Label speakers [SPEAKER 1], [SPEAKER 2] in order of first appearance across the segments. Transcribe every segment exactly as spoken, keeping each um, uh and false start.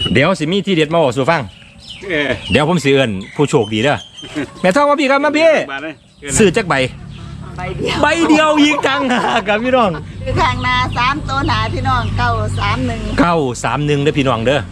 [SPEAKER 1] เดี๋ยวสิมีที่เด็ดมาบอกสู่ฟังเดี๋ยวผมสิเอิ้นผู้โชคดีเด้อแม่ทองมาพี่ครับมาพี่ซื้อจักใบ
[SPEAKER 2] ใบเดียว
[SPEAKER 1] ใบเดียวยิงจังกับพี่น้อง
[SPEAKER 2] คือทางนาสามตัวหนาพี่น้องเก้าสามหนึ่ง
[SPEAKER 1] เก้าสามหนึ่งเด้อพี่น้องเด้อ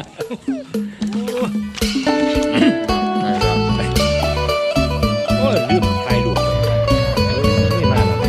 [SPEAKER 1] โอ้ยลืมถ่ายรูปไม่มาแล้ว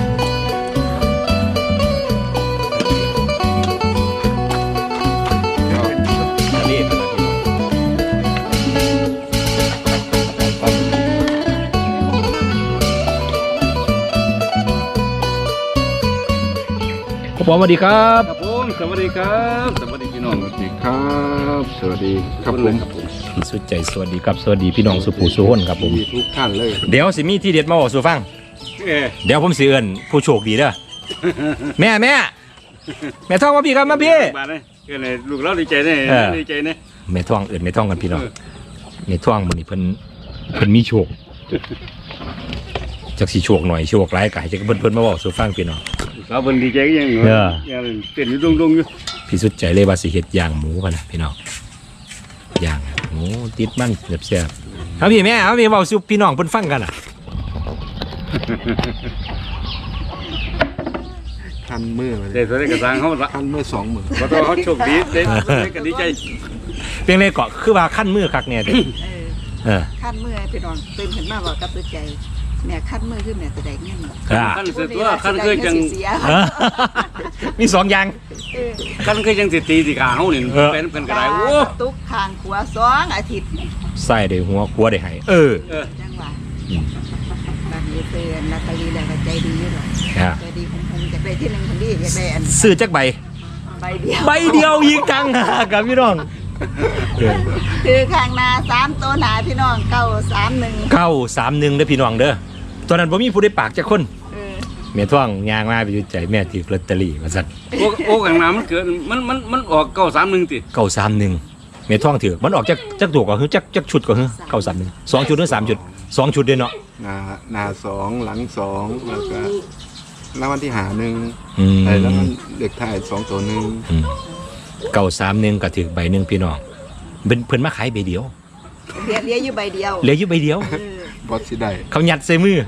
[SPEAKER 1] ครับผมสวัสดีครับ
[SPEAKER 3] ครับผมสวัสดีครับสวัสดีพี่น้องสวัสดีครับสวัสดีครับผม
[SPEAKER 1] พี่สุดใจสวัสดีครับสวัสดีพี่น้องสุภูสุห้นครับผม
[SPEAKER 3] ทุกท่านเลย
[SPEAKER 1] เดี๋ยวสิมีที่เด็ดมาบอกสู่ฟังเดี๋ยวผมสิเอิ้นผู้โชคดีเด้อแม่แม่แม่ทองมาพี่ครับมาพี่
[SPEAKER 3] มาเลยเกิดอะไรลูกเราดีใจแน่ดีใจแน่
[SPEAKER 1] แม่ทองเอิ้นแม่ทองกันพี่น้องแม่ทองมื้อนี้เพิ่นเพิ่นมีโชคจักสิโชคหน่อยโชคหลายก็ให้จักเพิ่นเพิ่นมาบอกสู่ฟังพี่น้อง
[SPEAKER 3] สาวเพิ่นดีใจยังอยู่ยังเต้นอยู่ดงๆอยู่
[SPEAKER 1] พี่สุดใจเลยว่าสิเฮ็ดย่างหมูกันนะพี่น้องย่างหมูติดมันแซ่บๆเอาพี่แม่เอาพี่เว้าสู่พี่น้องเพิ่นฟังกันน่ะ
[SPEAKER 4] คันมือเลย
[SPEAKER 3] เด็ดได้กระซังเขาละ
[SPEAKER 4] คันมือสองมือ
[SPEAKER 3] เพราะเขาโชคดีเด็ดได้กันดีใจ
[SPEAKER 1] เพียงเลยเกาะคือว่าขั้นมือคักเนี่ยเออ
[SPEAKER 2] ขั้นมือพี่น้องตื่นขึ้นมาบอกกับตื่นใจแม่ขั้นมือขึ้นแม่จะได้เงิน
[SPEAKER 3] ขั้นเสือตัวขั้นเคยจัง
[SPEAKER 1] มีสองอย่าง
[SPEAKER 3] ขั้นเคยจังสิตีสิขาเขาเนี่ยเป็นกันกระไรโอ้
[SPEAKER 2] ตุกทางขวาสองอาทิตย์
[SPEAKER 1] ใส่ได้หัวขัวได้ให้เออ
[SPEAKER 2] จังหวะบ้านนี้เป็นนาตาลีแล้วก็ใจดีอยู่หรอกใจดีคงคงจะได้ที่หนึ่งคนดีจะได้อัน
[SPEAKER 1] ซื้อจักใบ
[SPEAKER 2] ใบเดียว
[SPEAKER 1] ใบเดียวยิงจังกับพี่น้อง
[SPEAKER 2] คือทางนาสามตัวหนาพี่น้องเก้าสามหนึ่ง
[SPEAKER 1] เก้าสามหนึ่งเด้อพี่น้องเด้อตอนนั้นผมมีผู้ได้ปากจากคนแม่ท่องยางมาไปอยู่ใจแม่ถือลอตเตอรี่มาสั่น
[SPEAKER 3] โอ้โอ้ข้างหน้ามันเกิดมันมันมันออกเก้าสามหนึ่งติ
[SPEAKER 1] เก้าสามหนึ่งแม่ท่องถือมันออกจากจากตัวก่อนคือจากจากชุดก่อนคือเก้าสามหนึ่งสองชุดหรือสามชุดสองชุดเด้เนาะ
[SPEAKER 4] หน้าหน้าสองหลังสองแล้วก็แล้ววันที่หาหนึ่งไอ้แล้วมันเด็กถ่ายสองตัวหนึ่ง
[SPEAKER 1] เก้าสามหนึ่งก็ถือใบหนึ่งพี่น้องเป็นเพิ่นมาขายใบเดียว
[SPEAKER 2] เหลือเหลืออยู่ใบเดียว
[SPEAKER 1] เหลืออยู่ใบเดียว
[SPEAKER 4] บอสสิได้
[SPEAKER 1] เขาหยัดใส่มือ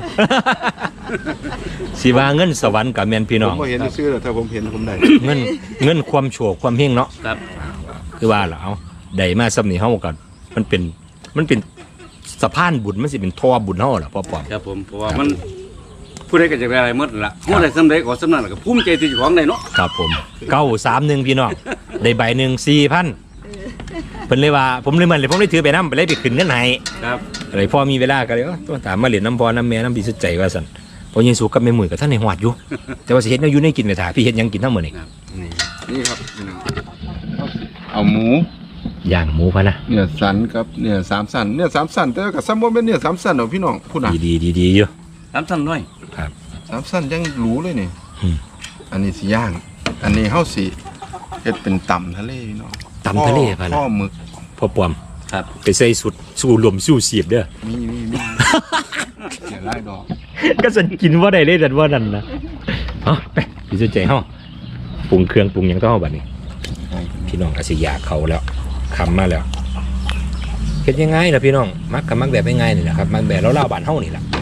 [SPEAKER 1] สิว่าเงินสวรรค์กับแม่นพี่น้อง
[SPEAKER 4] ผมเห็นชื่อแล้วถ้าผมเห็นผมได้
[SPEAKER 1] เงินเงินความโชคความเฮงเนาะครับคือว่าล่ะเอาได้มาซ้ำนี่เฮาก็มันเป็นมันเป็นสะพานบุญมันสิเป็นท่อบุญเฮาล่ะพ่อปอม
[SPEAKER 3] ครับผมเพราะว่ามันผู้ใดก็จะได้อะไรหมดล่ะผู้ใดสำเร็จก็สำนั้นก็ภูมิใจที่เจ้าของได้เนาะ
[SPEAKER 1] ครับผมเก้าสามหนึ่งพี่น้องได้ใบหนึ่งสี่พันเพิ่นเลยว่าผมเลยมันเลยผมเลยถือไปน้ำไปเลยไปขึ้นเงินให้
[SPEAKER 3] ครับ
[SPEAKER 1] อะไรพ่อมีเวลาก็เลยต้องถามมาเหรียญน้ำพอน้ำแม่น้ำพี่สุดใจว่าสั่นพอยังสู้กับแม่หมุ่ยกับท่านในหอดอยู่แต่ว่าสิเฮ็ดแนวอยู่ในกินไปถ่ายพี่เฮ็ดยังกินทั้งหมดนี่
[SPEAKER 4] นี่นี่ครับเอาหมู
[SPEAKER 1] ย่างหมูพะนะ
[SPEAKER 4] เนื้อสันครับเนื้อสามสันเนื้อสามสันแต่กับซ้ำว่าเป็นเนื้อสามสันเหรอพี่น้องพูดหน่อย
[SPEAKER 1] ดีดีดีอยู่
[SPEAKER 3] สามสันด้วย
[SPEAKER 1] ครับ
[SPEAKER 4] สามสันยังรู้เลยนี่อันนี้สิย่างอันนี้เฮาสิเฮ็ดเป็นตำทะเลพี่น้อง
[SPEAKER 1] ตำทะเลพะนะ
[SPEAKER 4] พ่อหมึก
[SPEAKER 1] พ่อปอม
[SPEAKER 3] ครับ
[SPEAKER 1] ไปใส่สุดสู้ลมสู้เสียบเด้อ
[SPEAKER 4] มีมีมีเสียไล่ดอก
[SPEAKER 1] ก็สันกินว่าได้เลยแต่ว่านั่นนะเฮ้ไปพี่สุดใจเฮ้าปรุงเครื่องปรุงยังต้องเอาบัดนี้พี่น้องอาศิยาเขาแล้วคำมาแล้วเฮ็ดยังไงล่ะพี่น้องมักกับมักแบบง่ายๆนี่แหละครับมักแบบเราเล่าบ้านเฮ้านี่แหละ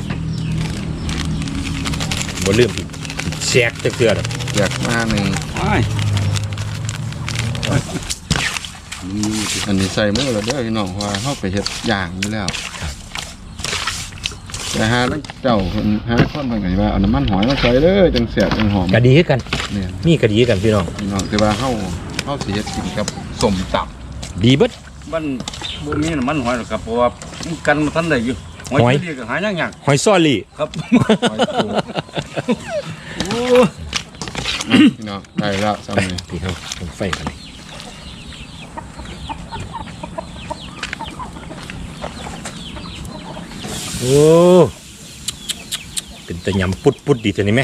[SPEAKER 1] บ่ลืมแชกจะเกลือหรอก
[SPEAKER 4] อยากมาหนึ่งอันนี้ใส่มือเราเด้อพี่น้องว่าเข้าไปเฮ็ดย่างอยู่แล้วแต่หาเจ้าหาคนบางไงว่าเอาน้ำมันหอยมาใส่เลยจังเสียบจังหอม
[SPEAKER 1] กระดีกันนี่กระดีกันพี่น้อง
[SPEAKER 4] พี่น้องแต่ว่าเข้าเข้าสิเฮ็ดกินกับสมตับ
[SPEAKER 1] ดีเบิด
[SPEAKER 3] บ้านบ่มีน้ำมันหอยหรอกครับเพราะว่ากันมาทันได้อยู่หอยเรียกหายยาก
[SPEAKER 1] หอยซอลี่
[SPEAKER 3] ครับ
[SPEAKER 4] พี่น้องได้แล้วซ้ำนี่
[SPEAKER 1] พี่เขาไฟกันเลยโอ้เป็นตะยำปุดปุดดีเท่านี้ไหม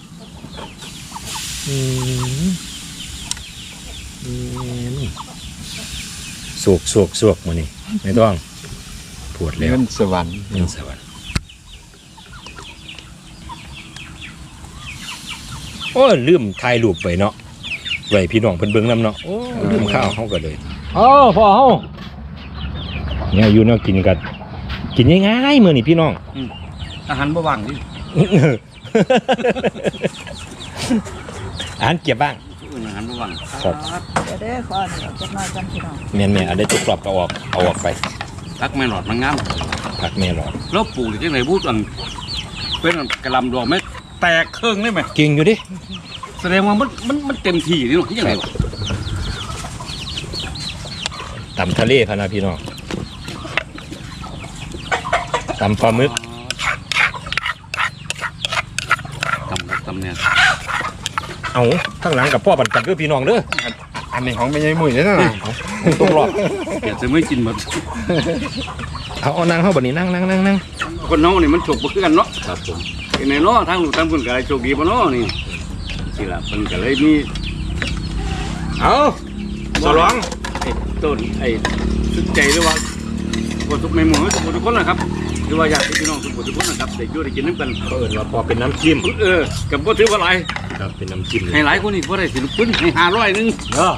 [SPEAKER 1] สวกสวกสวกมานี่ไม่ต้องปวดแล้ว
[SPEAKER 4] เงินสวรรค์
[SPEAKER 1] เงินสวรรค์โอ้ลืมถ่ายรูปไปเนาะไว้พี่น้องเพิ่นเบิ่งนำเนาะโอ้ลืมข้าวเขาก็เลยโอ้พ่อเฮาเนี่ยอยู่เนาะกินกันกินง่ายๆมื้อนี้พี่น้อง
[SPEAKER 3] อาหารบ่ว่างดิ
[SPEAKER 1] อาหารเก็บบ้าง
[SPEAKER 3] อาหารบ่ว่าง
[SPEAKER 1] ครับ
[SPEAKER 2] เดี๋ยวเด้อขอหน่อยจักหน่อยกันพี่น้อง
[SPEAKER 1] แม่นๆอันได้ตุกกรอบก็ออกเอาออกไป
[SPEAKER 3] รักแม่หลอดมันงาม
[SPEAKER 1] ผักแม่หรอก
[SPEAKER 3] แล้วปลูกจังได๋พูดอันเป็นอันกระลำดอกไม้แตกเครื่องได้ไหม
[SPEAKER 1] เก่งอยู่ดิ
[SPEAKER 3] แสดงว่ามันมันมันเต็มที่นี่เนาะยังไงวะ
[SPEAKER 1] ตำทะเลพะนะพี่น้องตำปลาหมึก
[SPEAKER 3] ตำครับตำเนี่ย
[SPEAKER 1] เอาข้างหลังกับพ่อปันกันคือพี่น้องเด้อ
[SPEAKER 4] อันนี้ของไม่ใช่หมุ่ยเลยนะ
[SPEAKER 1] ตุกรอบ
[SPEAKER 3] แกจะไม่กินหมด
[SPEAKER 1] เอาเอานั่งเฮาบัดนี้นั่งนั่งนั่งนั่ง
[SPEAKER 3] คนน้องนี่มันโชคบ่คือกันเนาะ
[SPEAKER 1] ครับผม
[SPEAKER 3] เป็นไงเนาะทางลูกทางเพิ่นก็ได้โชคดีบ่เนาะนี่สิล่ะเพิ่นก็เลยมี
[SPEAKER 1] เอาสลอง
[SPEAKER 3] ไอ้ต้นไอ้สุดใจหรือว่าบ่ทุกแม่หมู่ทุกคนทุกคนนะครับหรือว่าญาติพี่น้องทุกคนทุกคนนะครับได้อยู่ได้กินนำกัน
[SPEAKER 1] เขาเอิ้นว่าพอเป็นน้ำจิ้ม
[SPEAKER 3] เออก็บ่ถือว่าหลาย
[SPEAKER 1] ครับเป็นน้ำจิ้มเลย
[SPEAKER 3] ให้หลายคนนี่บ่ได้สิลูกปึ้นให้ห้าร้อยนึง
[SPEAKER 1] เออ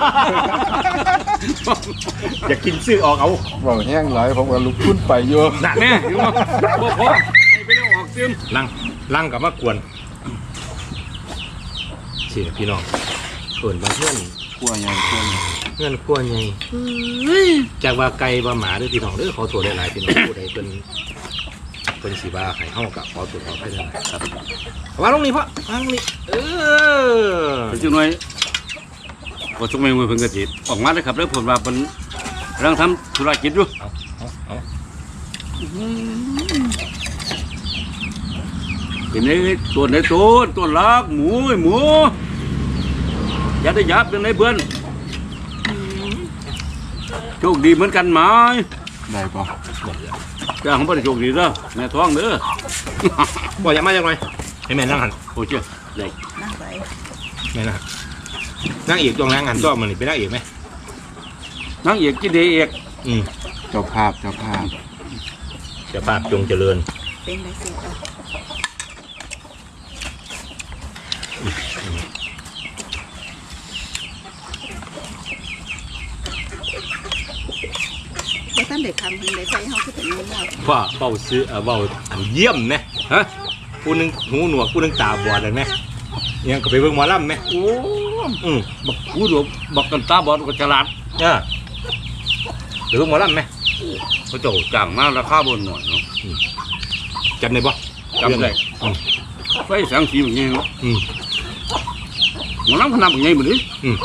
[SPEAKER 1] อยากกินซื้อออกเอา
[SPEAKER 4] บอกแห้งหลายผมว่าลุกขึ้นไปอยู่
[SPEAKER 1] น่ะ
[SPEAKER 3] แม่เห็นบ่บ่พอให้ไปแล้วออกเติม
[SPEAKER 1] ลังลังกับมากวนสิพี่น้องเอิ้นว่าเพื่อน
[SPEAKER 4] กลัวใหญ่กลัวใหญ่
[SPEAKER 1] เพื่อนขั้วใหญ่จากว่าไก่ว่าหมาเด้อพี่น้องเด้อขอโทษหลายๆพี่น้องผู้ใดเพิ่นเพิ่นสิว่าให้เฮากับขอโทษขออภัยหลายๆครับวางลงนี่พ่อวางลงนี่เออ
[SPEAKER 3] เป็นจังหน่อยบ่ทุกแม่หมู่เพิ่นก็สิออกมาเด้อครับเด้อเพิ่นว่าเพิ่นกำลังทำธุรกิจอยู่
[SPEAKER 1] เอาเอาเอา
[SPEAKER 3] เป็นไอ้ตัวไหนตัวตัวลักหมูไอ้หมูอย่าได้ยับเป็นไอ้เพื่อนโชคดีเหมือนกันไหม
[SPEAKER 4] ได้ปะ
[SPEAKER 3] จ้าของพ่อได้โชคดีเด้อแม่ท้องเด้อ
[SPEAKER 1] บ่อยากมาจังไงให้แม่นั่งหัน
[SPEAKER 3] โอ้เจ้าใหญ่
[SPEAKER 2] นั่งไป
[SPEAKER 1] แม่นั่งหันนั่งอีกตรงนั่งหันก็มันนี่ไปนั่งอีกไหม
[SPEAKER 3] นั่งเอกกินเดเอก
[SPEAKER 1] อืม
[SPEAKER 4] เจ้าภาพเจ้าภาพ
[SPEAKER 1] เจะภาพจงเจริญ
[SPEAKER 2] เป็นได้สิเอาบ่ทันได้คำเพิ่นได้ใส่เฮาคือเป็นงูหมด
[SPEAKER 1] ว่าเบาซื้อเออเบาอันเยี่ยมไหมฮะผู้หนึงหูหนวกผู้หนึงตาบอดเลยไหมยังก็ไปเบิ่งหมอลำไหม
[SPEAKER 3] โอ้
[SPEAKER 1] อืม
[SPEAKER 3] บักผู้ดูบักกันตาบอดก็ฉลาด
[SPEAKER 1] เออไปเบิ่งหมอลำไหม
[SPEAKER 3] เขาเจ้าจ้างมาราคาบนหน่อยเนาะ
[SPEAKER 1] จำได้ปะ
[SPEAKER 3] จำได้
[SPEAKER 1] อืม
[SPEAKER 3] ไฟแสงสีแบบนี้เนาะ
[SPEAKER 1] อืม
[SPEAKER 3] หมันน้ำขนาดแบบนี้หมดเลย
[SPEAKER 1] อืม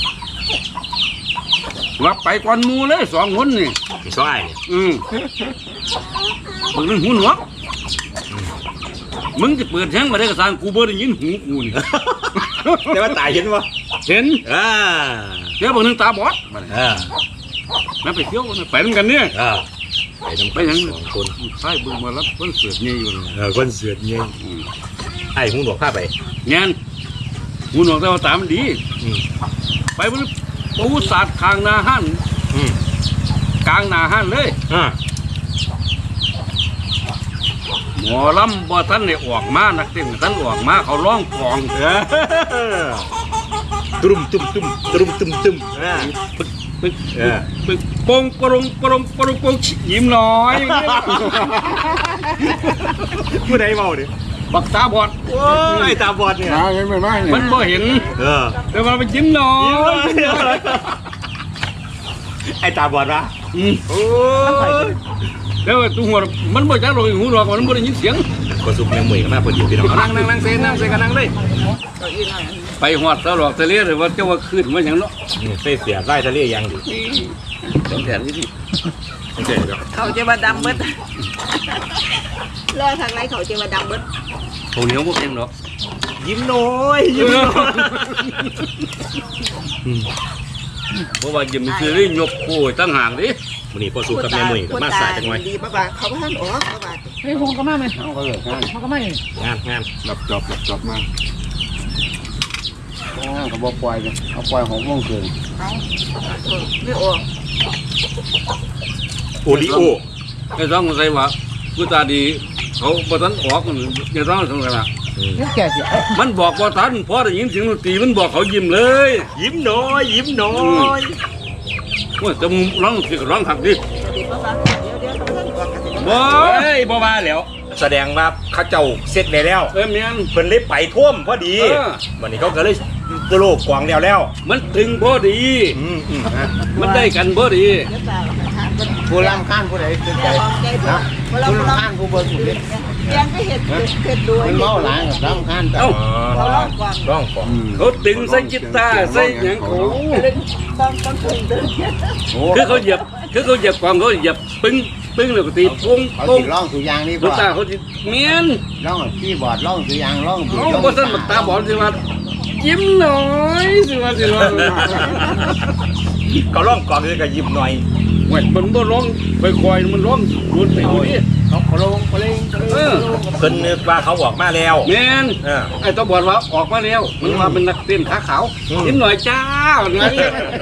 [SPEAKER 3] ว่าไปก่อนหมูเลยสองคนนี่
[SPEAKER 1] มีซ้ายเนี่ย
[SPEAKER 3] อืมมึงนึงหูหนวกมึงจะเปิดแทงมาได้กระสานกูเบอร์ได้ยินหูกูนี่
[SPEAKER 1] แต่ว่าตายเห็นปะ
[SPEAKER 3] เห็น
[SPEAKER 1] อ่า
[SPEAKER 3] เดี๋ยวบางนึงตาบอดมาเลย
[SPEAKER 1] อ่า
[SPEAKER 3] นั่นไปเที่ยวกันไปด้วยกันเนี่ย
[SPEAKER 1] อ่าไปน้ำ
[SPEAKER 3] ไป
[SPEAKER 1] ไป
[SPEAKER 3] ยัง
[SPEAKER 1] สองคน
[SPEAKER 3] ใช่บึงมาแล้วเพิ่นเสือกเนี่ยอยู่นี่
[SPEAKER 1] เออคนเสือดเงี้ย
[SPEAKER 3] อืม
[SPEAKER 1] ไอ้หูหนวกผ้าไป
[SPEAKER 3] งานหูหนวกแต่ว่าตามันดี
[SPEAKER 1] อืม
[SPEAKER 3] ไปบนปูสาดคางนาหัน
[SPEAKER 1] อืม
[SPEAKER 3] กลางนาหันเลย
[SPEAKER 1] อ่า
[SPEAKER 3] หมอลำบ่ท่านได้ออกมานักเต้นท่านออกมาเขาร้องกลอง
[SPEAKER 1] เออตุ้มตุ้มตุ้มตุ้มตุ้มตุ้มอ่า
[SPEAKER 3] ปึ๊กปึ๊ก
[SPEAKER 1] เออ
[SPEAKER 3] ปึ๊กปงปรงปรงปรงปงยิ้มน้อย
[SPEAKER 1] ผู้ใดเมาดิ
[SPEAKER 3] บักตาบอด
[SPEAKER 1] โอ้ยตาบอดเนี่ย
[SPEAKER 4] มายังไม่มาเนี่
[SPEAKER 3] มัน
[SPEAKER 4] ย
[SPEAKER 3] บ่เห็น
[SPEAKER 1] เออ
[SPEAKER 3] แต่ว่ามันยิ้มน้อย
[SPEAKER 1] ไอ้ตาบอดวะ
[SPEAKER 3] อืม
[SPEAKER 1] โอ้ย
[SPEAKER 3] แล้วตัวหัวมันบ่จักหรอกหูหรอกมันบ่ได้ยินเสียง
[SPEAKER 1] ก็ซุปแมงมุยกันมาพอดีพี่น้องเอานั่งนั่งนั่งเซนนั่งเซนกันนั่งเลย
[SPEAKER 2] เก้าอี้หน่อยอันนี้
[SPEAKER 3] ไปหอดตลอดทะเลหรือว่าเจ้าว่าขึ้นมาอย่างเนาะ
[SPEAKER 1] นี่เสียเสียไล่ทะเลยังดิ
[SPEAKER 3] เป็นแผนนี่ดิ
[SPEAKER 1] โอเคเดี๋ยว
[SPEAKER 2] เขาจะมาดำเบิดรอทางไหนเขาจะมาดำเบิด
[SPEAKER 3] เขาเหนียวพวกเองหรอก
[SPEAKER 1] ยิ้มน้อยยิ้มน้อย
[SPEAKER 3] เพราะว่ายิ้มซื้อได้ยกโอ้ยตั้งห่างดิ
[SPEAKER 1] วันนี้พอสู้กับแม่มุยกับมาสายจังไง
[SPEAKER 2] ดีป้าบ่าเขาบ่ทันออกป้าบ่า
[SPEAKER 5] เฮ้ยผมก็มาไหม
[SPEAKER 3] เอาก็เลยงาน
[SPEAKER 5] มันก็ไม่
[SPEAKER 1] งานงาน
[SPEAKER 4] หลับจอบหลับจอบมา
[SPEAKER 3] เขาบอกปล่อยเลยเอาปล่อยหกโมงคืน
[SPEAKER 2] เอาเออไม่ออก
[SPEAKER 1] โอริโอ
[SPEAKER 3] ไอ้ต้องใส่ว่ากูตาดีเขาบ่ทันออกมันอย่าต้องสงสัยละ
[SPEAKER 5] เรียกแก่เสีย
[SPEAKER 3] มันบอกบ่ทันพอได้ยินเสียงดนตรีมันบอกเขายิ้มเลย
[SPEAKER 1] ยิ้มน้อยยิ้มน้อย
[SPEAKER 3] โอ้ยจะร้องสิร้องหักดิ
[SPEAKER 2] เดี๋ยวเดี๋ยวเขาต้องบอกกันสิ
[SPEAKER 3] บ่
[SPEAKER 1] เฮ้ยบ่มาแล้ว แสดงว่าเขาเจ้าเสร็จแล้ว
[SPEAKER 3] เอ้ยเมียน
[SPEAKER 1] เพิ่นเลยไปท่วมพอดี
[SPEAKER 3] เออ
[SPEAKER 1] วันนี้เขาก็เลยโลกกวางแล้วแล้ว
[SPEAKER 3] มันถึงพอดี
[SPEAKER 1] อืมอืมฮะ
[SPEAKER 3] มันได้กันพอดี
[SPEAKER 2] เดี๋ยวตาเราทานกัน
[SPEAKER 4] ผู้รำข้านผู้ใดเป็นใจ
[SPEAKER 2] แต่ลองใจดู
[SPEAKER 4] นะ
[SPEAKER 2] เรา
[SPEAKER 4] ผู้
[SPEAKER 2] เรา
[SPEAKER 4] รำข้านผู้เบิ่งผู้เล่น
[SPEAKER 2] ยังก็เห็ดเห็ดดู
[SPEAKER 4] มันเมาหลายกับรำข้านแต่
[SPEAKER 3] เอ้า
[SPEAKER 1] อ๋อร้องกวาง
[SPEAKER 3] เขาดึงใส่กีตาร์ใส่หยังเขา
[SPEAKER 2] ต้องต้องถึงดึง
[SPEAKER 3] คือเขาเหยียบคือเขาเหยียบความเขาเหยียบปึ้งปึ้งแล้วก็ตีปง
[SPEAKER 4] เขา
[SPEAKER 3] ปง
[SPEAKER 4] สิร้องสุยางนี่
[SPEAKER 3] ลู
[SPEAKER 4] บ่
[SPEAKER 3] กตาเขาสิเมียน
[SPEAKER 4] ร้องคีย์บอร์ดร้องสุยางร้อง
[SPEAKER 3] เขาบ่ซั่นบักตาบอดสิว่ายิ้มหน่อยสิว่าสิว่า
[SPEAKER 1] เขาร้องกวางเลยก็ยิ้มหน่อย
[SPEAKER 3] เว้ยมันบ่ร้องค่อยๆมันร้องรุนไปดูดิ
[SPEAKER 4] เขาเขาลงเขาเล่งเขา
[SPEAKER 3] เอ
[SPEAKER 4] เล่ง
[SPEAKER 3] อ
[SPEAKER 1] เพิ่นนึกว่าเขาออกมาแล้ว
[SPEAKER 3] แม่น
[SPEAKER 1] เออ
[SPEAKER 3] ไอ้ตาบอดว่าออกมาแล้วมันมาเป็นนักเต้นขาขาว
[SPEAKER 1] อืม
[SPEAKER 3] ยิ้มหน่อยจ้าไง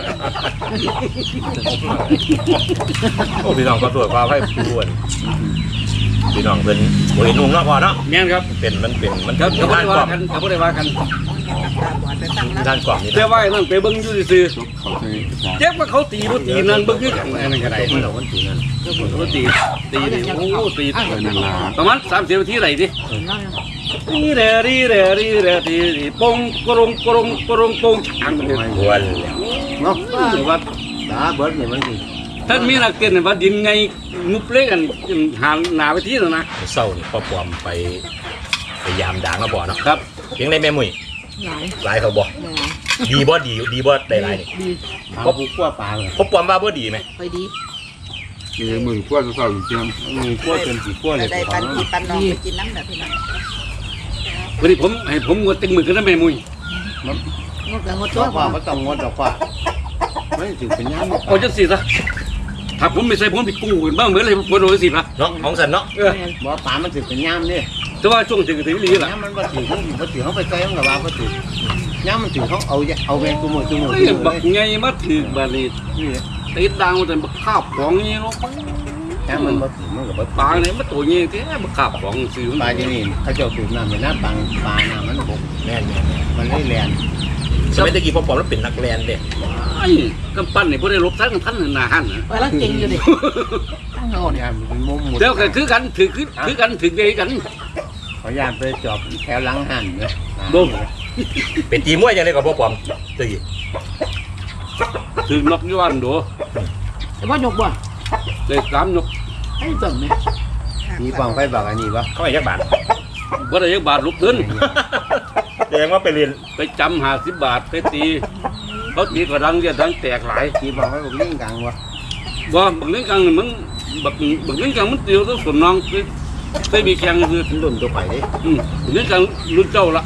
[SPEAKER 1] โอ้พี่น้องก็ตรวจความให้ผู้อ้วนพี่น้องเป็นโอ้ยนุ่งเนาะพอเนาะ
[SPEAKER 3] แม่นครับ
[SPEAKER 1] เป็นมันเป็นมัน
[SPEAKER 3] เขาเขาบ่
[SPEAKER 1] ทาน
[SPEAKER 3] ได้
[SPEAKER 1] กล่
[SPEAKER 3] ว่า
[SPEAKER 1] อง
[SPEAKER 3] กันเขาบ่ได้ว่ากัน
[SPEAKER 1] ทานกล่องนี่
[SPEAKER 3] แต่ว่าไอ้นั่นไปเบิ่งอยู่ซื่อ
[SPEAKER 4] เขาใช้
[SPEAKER 3] ๆเจ็บว่าเขาตีบ่ตีนั่นเบิ่งคือกันไอ้นั่นก็ได้
[SPEAKER 1] มันเหล่ามันตีนั่น
[SPEAKER 3] เขาตีตีนี่โอ้ตี
[SPEAKER 4] เออนั่นล่ะ
[SPEAKER 3] ประมาณสามสิบนาทีไหนดินี่แหละนี่แหละนี่แหละตีตีปงกรงกรงกรงปงช้างเลย
[SPEAKER 1] อ้วนแล้ว
[SPEAKER 4] เนาะ
[SPEAKER 3] ว่า
[SPEAKER 4] ตาเบิดนี่มันสิ
[SPEAKER 3] ท่านมีนักเต้นว่าดินไงงุบเล่กันหาหนาไปที่แล้วนะ
[SPEAKER 1] เศร้านี่พ่อปอมไปไปยามด่างแล้วบ่เนาะ
[SPEAKER 3] ครับ
[SPEAKER 1] เพียงในแม่มุ้ย
[SPEAKER 2] หลาย
[SPEAKER 1] หลายเขาบ่ดีบ่ดีดีบ่ได้หลายนี่
[SPEAKER 2] ดี
[SPEAKER 4] เขาผู้กลัวปลาเลย
[SPEAKER 1] พ่อปอมว่าบ่ดีไหม
[SPEAKER 2] ไปดี
[SPEAKER 4] มีมือขั้วจะเศร้าอยู่เจียมมือขั้วจนสีขั้วเลย
[SPEAKER 2] ได้ปันพี่ปันน้องไปกินน้ำแบบพี่น้อง
[SPEAKER 3] วันนี้ผมให้ผมงดเต็งมือกันนะแม่มุ้ย
[SPEAKER 2] งดกับงด
[SPEAKER 4] ตั
[SPEAKER 2] ตัว ว
[SPEAKER 4] ว่าก็ต้องงดดอกว่าไม่ถือเป็นย่าม
[SPEAKER 3] เอาจังสิซะถ้าผมไม่ใส่ผมไปกู้กันบ้างเหมือนเลยผมโดนสิละ
[SPEAKER 1] เนาะของสันเนาะ
[SPEAKER 3] เออ
[SPEAKER 4] บ่ปลามันถือเป็นย่ามนี่
[SPEAKER 3] แต่ว่าช่วงถึงถึงนี้ล่ะ
[SPEAKER 4] ย่ามมันบ่ถือเขาบ่ถือเขาไปใส่ของกับว่าบ่ถือย่ามมันถือเขาเอาเอาแมงตัวมือตัวมือ
[SPEAKER 3] เฮ้ยบักไงมาถึงบัดนี้ติดดังแต่บักข้าวของนี่เนาะ
[SPEAKER 4] ย่ามมันบ่ถือมันกับบ่
[SPEAKER 3] ปลาเนี่ยมันตัวนี้แท้บักข้าวของซื้อ
[SPEAKER 4] ปลาที่นี่เขาเจ้าสูบน้ำในน้ำปังปลาน้ำมันบก
[SPEAKER 1] แม่นแม่น
[SPEAKER 4] มันเลยแลน
[SPEAKER 1] สมัยตะกี้พ่อปอมแล้วเป็นนักแลนเด้
[SPEAKER 3] ไอ้กำปั้นนี่บ่ได้ลบทั้งท่านหน้าหันนะ
[SPEAKER 2] ไปแล้วเก่งอยู่ดิ
[SPEAKER 4] ตั้งเอาเนี่ยมันมุมหมด
[SPEAKER 3] แล้วก็คือกันถือคือคือกันถือใจกัน
[SPEAKER 4] ขอยานไปจอบแถวหลังหันเลย
[SPEAKER 3] บ่ม
[SPEAKER 1] เป็นตีมวยจังได๋กับพ่อปอมตะกี้
[SPEAKER 3] ถือนกอยู่อันโด
[SPEAKER 2] แต่ว่าหยกบ่
[SPEAKER 3] ได้สามนก
[SPEAKER 2] ให้ส่งไหม
[SPEAKER 4] มีฟังไฟบอกอันนี้ปะ
[SPEAKER 1] เขาให้จักบาท
[SPEAKER 3] บ่ได้ยักบาทลูกเงิน
[SPEAKER 1] แสดงว่าไปเรียน
[SPEAKER 3] ไปจำห้าสิบบาทไปตีเขาตีกระดังเรียดังแตกหลาย
[SPEAKER 4] มีฟังไฟบอกยิ่งกลางวะ
[SPEAKER 3] บ่บักเล่นกังนี่มันบักบักเล่นกังมันเตียวต้องสมน้องไปไปมีแข่งคือ
[SPEAKER 4] มันรุ่นตัวไปดิ
[SPEAKER 3] อืมบักเล่นกังรุ่นเจ้าละ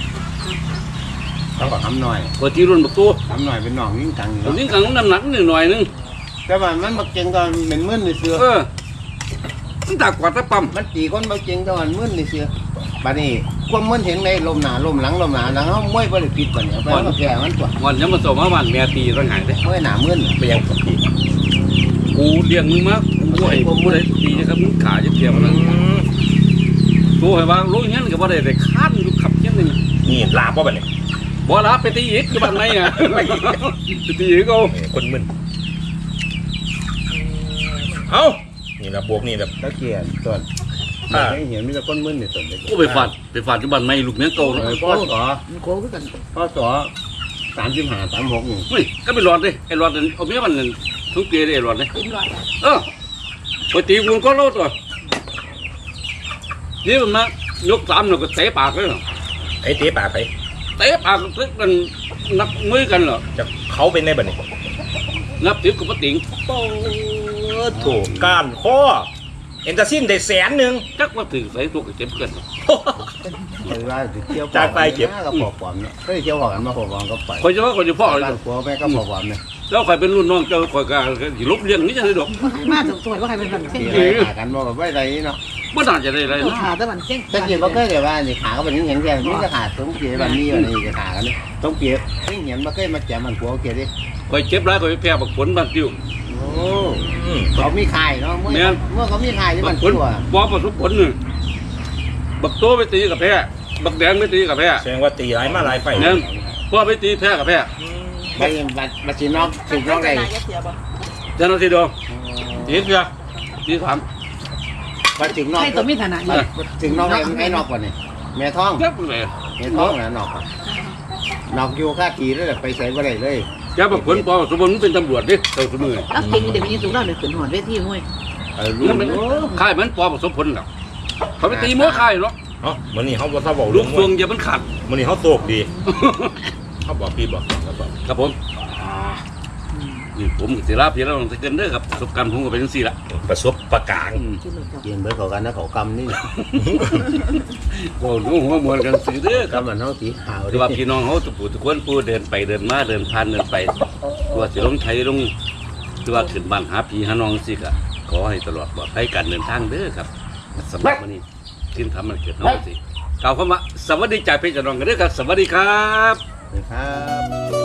[SPEAKER 4] ต้องทำหน่อย
[SPEAKER 3] กว่าที่รุ่นบักตัว
[SPEAKER 4] ทำหน่อยเป็นหนองยิ่งกลาง
[SPEAKER 3] บักเล่นกังน้ำหนักนิดหน่อยนึง
[SPEAKER 4] แต่ว่ามันบักเจงตอนเป็นมื่นในเสือ
[SPEAKER 3] เออมันตากกว่าตะปั๊ม
[SPEAKER 4] มันตีคนบักเจงตอนมื่นในเสือบัดนี้ความมื่นเห็นในลมหนาลมหลังลมหนาหลังเขามวยบริปิดบัดนี้ไปมันแก่มันตัว
[SPEAKER 3] วันยังมาส่งมาบ้านแม่ตีตั้งหายเด้
[SPEAKER 4] มวยหนามื่น
[SPEAKER 1] ไปยังกับพี่
[SPEAKER 3] กูเลี้ยงมึงมากูให้กูได้ตีนะครับมึงขาจะเทียมนะกูให้ว่ารู้งั้นก็บ่ได้แต่ค้านอยู่ขับเช่นนึง
[SPEAKER 1] นี่ลาบ่บัดนี้
[SPEAKER 3] บ่ละไปตีอีกอยู่บ้านไหนอ่ะไปตีอีกเอา
[SPEAKER 1] เอ้ยคนมึนเอ้านี่ละบวกนี่แบบ
[SPEAKER 4] ตะเกียบตัวไม่เห็นมีแต่ก้นมื่นในตัวเด็ก
[SPEAKER 3] กูไปฟาดไปฟาดอยู่บ้านไหนลูกเมียเก่า
[SPEAKER 4] เอ
[SPEAKER 3] แล้ว
[SPEAKER 4] อพ่อสอ
[SPEAKER 2] มันโคขึ้นกัน
[SPEAKER 4] พ่อสอสามสิบห้าสามหกอยู่
[SPEAKER 3] เฮ้ยก็ไปหลอดดิไอ้หลอดนั่นเอาเมียมันนั่นทุกเกยไอ้หลอดนี่
[SPEAKER 2] กินร้อย
[SPEAKER 3] เออไปตีกูก็โลดตัวนี่มันมายกสามแล้วก็เตะปากเลยเหรอ
[SPEAKER 1] ไอ้เตะปากไป
[SPEAKER 3] เตะปากตึกกันนับมือกันเหรอ
[SPEAKER 1] จะเขาเป็นในบัดนี้
[SPEAKER 3] นับติวกับปะติง
[SPEAKER 1] โอ้โถก้านข้อเอ็นตาซินได้แสนหนึ่ง
[SPEAKER 3] จักว่าถือใส่ตัวก็เจ็บเกิน
[SPEAKER 4] เวลาเที่ยว
[SPEAKER 1] จากไปเก็บ
[SPEAKER 4] ก็ปอบปอมเนี่ยเฮ้ยเที่ยวหอกันมาปอบปอมก็ไป
[SPEAKER 3] คอยจะว่าคอยจะพ่อเลย
[SPEAKER 4] บ้านผัวแม่ก็ปอบปอมเนี่ย
[SPEAKER 3] แล้วใครเป็นรุ่นน้องเจ้าคอยกันที่ลบเลี้ยงนี่จะได้ดอก
[SPEAKER 2] มาถึงตัวว่าใครเป็นแบบเช่น
[SPEAKER 4] ตีอะไรขากันบอกว่าไม่ไรเนาะ
[SPEAKER 3] ไม่น่าจะได้อะไร
[SPEAKER 2] ตัว
[SPEAKER 3] นะ
[SPEAKER 2] ขาตะวันเช่น
[SPEAKER 4] ตะเกียบก็เคยแต่ว่านี่ขาก็เป็นอย่างแค่นี่จะขาดต้องเกียบแบบนี้วันนี้จะขากันเนี่ยต้องเกียบนี่เห็นมาเคยมาแจมมันผัวเกียบดิ
[SPEAKER 3] คอยเจ็บร้ายคอยแพ้บักผลบ้านติว
[SPEAKER 4] โอ้
[SPEAKER 1] อืม
[SPEAKER 4] เขามีขายเนาะเมื่อเมื่อเขามีขายที่
[SPEAKER 3] บั
[SPEAKER 4] มั
[SPEAKER 3] ก
[SPEAKER 4] น
[SPEAKER 3] ผล
[SPEAKER 4] ชั่ว
[SPEAKER 3] บอประสบผลนี่บักโตไปตีกับแพ้บักแดงไปตีกับแพ้
[SPEAKER 1] แสดงว่าตีหลายมาหลายไฟ
[SPEAKER 3] เนี่ยพ่อไปตีแพ้กับแพ้
[SPEAKER 4] ไปบัดบัดสีนอกสีนอกได้
[SPEAKER 2] เสียบ่
[SPEAKER 3] เจ้าหน้าที่ดองตีเสือตีถาม
[SPEAKER 4] มาถึงนอก
[SPEAKER 5] ให้ตัวมีฐานะอยู่
[SPEAKER 4] ถึงนอกไอ้ไอ้นอกก่อนนี่แม่ท้อง
[SPEAKER 3] เจ็บเลย
[SPEAKER 4] แม่ท้องนะนอกนอกอยู่ค่าทีแล้วไปใส่บ่ได้เลย
[SPEAKER 3] แกบอกผลปอสมบูรณ์เป็นตำรวจดิเจ้าสมือ
[SPEAKER 5] เอาเก่งเดี๋ยวนี้สูงเราเดี๋ยวขึ้นหอดเวทีห้วย
[SPEAKER 4] เออรู้
[SPEAKER 3] นั่นมันค่ายมันปอผสมผลแล้วเขาไปตีม้วนค่ายเนาะ
[SPEAKER 1] เอ้ามื้อนี้เฮาบ่ทราบเว้า
[SPEAKER 3] ลู
[SPEAKER 1] เรื่อก ง
[SPEAKER 3] ฟวงอย่ามันขาด
[SPEAKER 1] มื้อนี้เฮาโตกดีเฮาบอกพี่บอกครับบอก
[SPEAKER 3] ครับผมนี่ผมสิลาพี่แล้วต้องเกินเด้อครับประสบการณ์ผมก็เป็นจังซี่ล่ะ
[SPEAKER 1] ประสบประการ
[SPEAKER 5] กินรถจับ
[SPEAKER 4] เกียงเบิดเขากันนะเขากำนี่
[SPEAKER 3] โอ้โหหัวมวนกันสิเด้อครับ
[SPEAKER 4] กำมันเฮาสีขาว
[SPEAKER 3] คือว่าพี่น้องเขาทุกผู้ทุกคนผู้เดินไปเดินมาเดินผ่านเดินไปตัวสิลงไทยลงคือว่าขึ้นบ้านหาพี่หาน้องสิก็ขอให้ตลอดปลอดภัยการเดินทางเด้อครับสำหรับวันนี้ที่ทำมันเกิดเฮาสิกล่าวคำว่าสวัสดีจากพี่น้องกันเด้อครับสวัสดีครับ
[SPEAKER 4] ครับ